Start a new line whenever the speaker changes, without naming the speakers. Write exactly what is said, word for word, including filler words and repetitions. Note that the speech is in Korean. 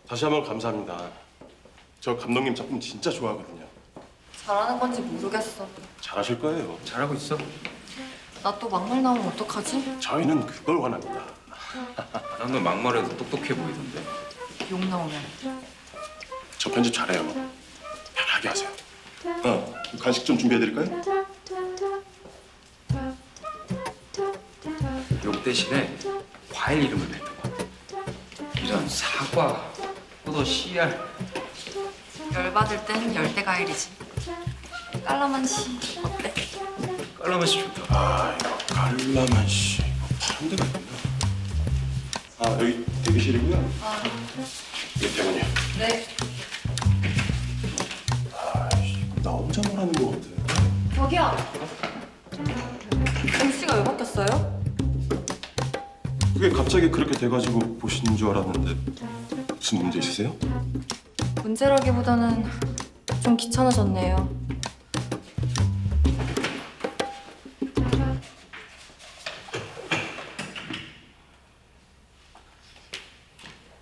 다시 한번 감사합니다. 저 감독님 작품 진짜 좋아하거든요.
잘하는 건지 모르겠어.
잘하실 거예요.
잘하고 있어?
나 또 막말 나오면 어떡하지?
저희는 그걸 원합니다.
난 너 막말해도 똑똑해 보이던데.
욕 나오면.
저 편집 잘해요. 편하게 하세요. 어, 간식 좀 준비해드릴까요?
욕 대신에 과일 이름을 뱉어봐. 이런 사과, 포도, 씨알.
열받을 땐 열대과일이지. 깔라만시 어때?
깔라맛이 좋다.
아, 이거 깔라만시. 이거 파는 데가 있구나. 아, 여기 대기실이고요.
아,
이게 병원이요.
네.
아, 나 혼자 말하는 거 같아.
저기요. 글씨가 왜 바뀌었어요?
그게 갑자기 그렇게 돼가지고 보시는 줄 알았는데 무슨 문제 있으세요?
문제라기보다는 좀 귀찮아졌네요.